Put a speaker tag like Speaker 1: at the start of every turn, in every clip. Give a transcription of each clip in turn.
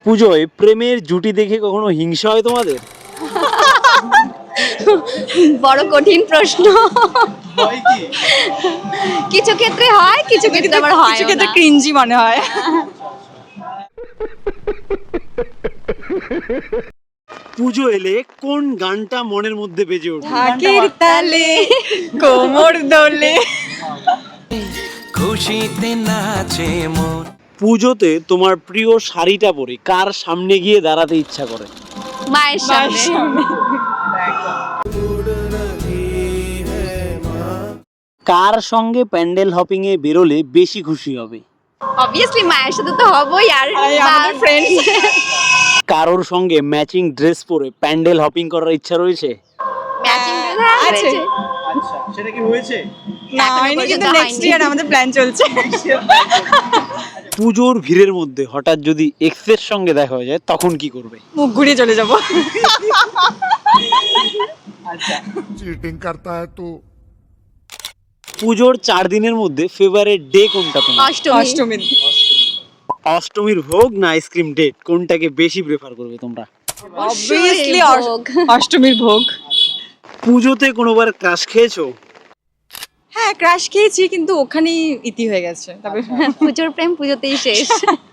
Speaker 1: পুজোয় প্রেমের জুটি দেখে কখনো হিংসা হয় তোমাদের?
Speaker 2: বড় কঠিন প্রশ্ন। কিছু ক্ষেত্রে হয়, কিছু ক্ষেত্রে আবার হয়
Speaker 3: কিছু ক্ষেত্রে ক্রিঞ্জি মনে হয়।
Speaker 1: পুজো এলে কোন গানটা মনের মধ্যে বেজে ওঠে?
Speaker 3: ঢাকের তালে কোমর দোলে।
Speaker 4: খুশিতে নাচে মন।
Speaker 1: পুজোতে তোমার প্রিয় শাড়িটা পরে কার সামনে গিয়ে দাঁড়াতে ইচ্ছা করে?
Speaker 2: মায়ের সামনে।
Speaker 1: কার সঙ্গে প্যান্ডেল হপিং এ বেরোলে বেশি খুশি হবে?
Speaker 2: অবভিয়াসলি মায়ের সাথে তো হবই, আর
Speaker 3: আমাদের ফ্রেন্ডস।
Speaker 1: কারোর সঙ্গে ম্যাচিং ড্রেস পরে প্যান্ডেল হপিং করার ইচ্ছা রয়েছে?
Speaker 2: ম্যাচিং
Speaker 3: আছে।
Speaker 1: আচ্ছা, সেটা কি হয়েছে?
Speaker 3: না
Speaker 2: এখনো
Speaker 3: হয়নি, কিন্তু
Speaker 2: পর্যন্ত
Speaker 3: নেক্সট
Speaker 2: হয়নি।
Speaker 3: ইয়ার আমাদের প্ল্যান চলছে।
Speaker 1: পুজোর ভিড়ের মধ্যে হঠাৎ যদি এক্সের সঙ্গে দেখা হয়ে যায় তখন কি করবে?
Speaker 3: মুখ ঘুরিয়ে চলে যাব।
Speaker 5: चीटिंग करता है तू।
Speaker 1: পুজোর 4 দিনের মধ্যে ফেভারিট ডে কোনটা তোমার?
Speaker 2: অষ্টমী।
Speaker 1: অষ্টমীর ভোগ না আইসক্রিম ডেট, কোনটাকে বেশি প্রেফার করবে তোমরা?
Speaker 3: অবভিয়াসলি
Speaker 2: ভোগ।
Speaker 3: অষ্টমীর ভোগ।
Speaker 1: পুজোতে কোনোবার ক্রাশ খেয়েছো?
Speaker 3: হ্যাঁ ক্রাশ খেয়েছি, কিন্তু ওখানেই ইতি হয়ে গেছে। তবে
Speaker 2: পুজোর প্রেম পুজোতেই শেষ।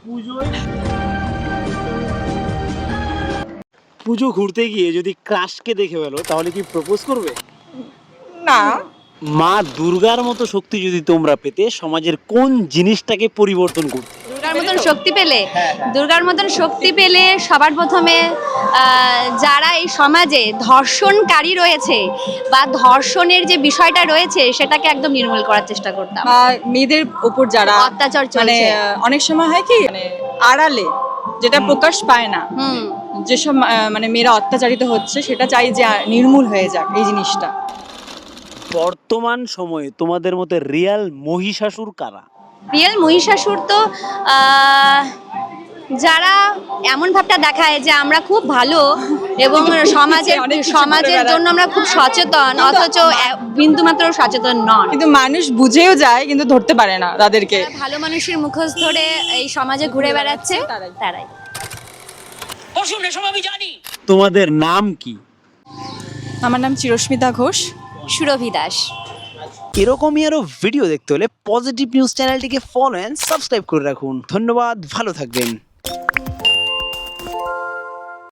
Speaker 1: পুজো ঘুরতে গিয়ে যদি ক্রাশকে দেখে ফেলো তাহলে কি প্রপোজ করবে?
Speaker 3: না,
Speaker 1: মা দুর্গার মতো শক্তি যদি তোমরা পেতে সমাজের কোন জিনিসটাকে পরিবর্তন করতে?
Speaker 2: দুর্গার মতন শক্তি পেলে সবার প্রথমে যারা এই সমাজে ধর্ষণকারী রয়েছে বা ধর্ষণের যে বিষয়টা রয়েছে সেটাকে একদম নির্মূল করার চেষ্টা করতাম।
Speaker 3: বা মেয়েদের উপর যারা
Speaker 2: অত্যাচার
Speaker 3: মানে
Speaker 2: চলছে।
Speaker 3: অনেক সময় হয় কি, মানে আড়ালে যেটা প্রকাশ পায় না,
Speaker 2: হুম।
Speaker 3: যেসব মানে মেয়েরা অত্যাচারিত হচ্ছে, সেটা চাই যে নির্মূল হয়ে যাক এই জিনিসটা।
Speaker 1: বর্তমান সময়ে তোমাদের মতে রিয়াল মহিষাসুর কারা?
Speaker 2: রিয়েল মহিষাসুর তো যারা এমন ভাবটা দেখায় যে আমরা খুব ভালো এবং
Speaker 3: অনেক কিছু করে
Speaker 2: সমাজের
Speaker 3: বেড়ায়।
Speaker 2: জন্য আমরা খুব সচেতন, অথচ বিন্দুমাত্র সচেতন নন।
Speaker 3: কিন্তু মানুষ বুঝেও যায়, কিন্তু ধরতে পারে না তাদেরকে।
Speaker 2: যারা ভালো মানুষের মুখোশ ধরে এই সমাজে ঘুরে বেড়াচ্ছে তারাই।
Speaker 1: তোমাদের নাম কি?
Speaker 3: আমার নাম চিরস্মিতা ঘোষ।
Speaker 2: সুরভি দাস।
Speaker 1: এরকমই আরো ভিডিও দেখতে হলে পজিটিভ নিউজ চ্যানেলটিকে ফলো এন্ড সাবস্ক্রাইব করে রাখুন। ধন্যবাদ, ভালো থাকবেন।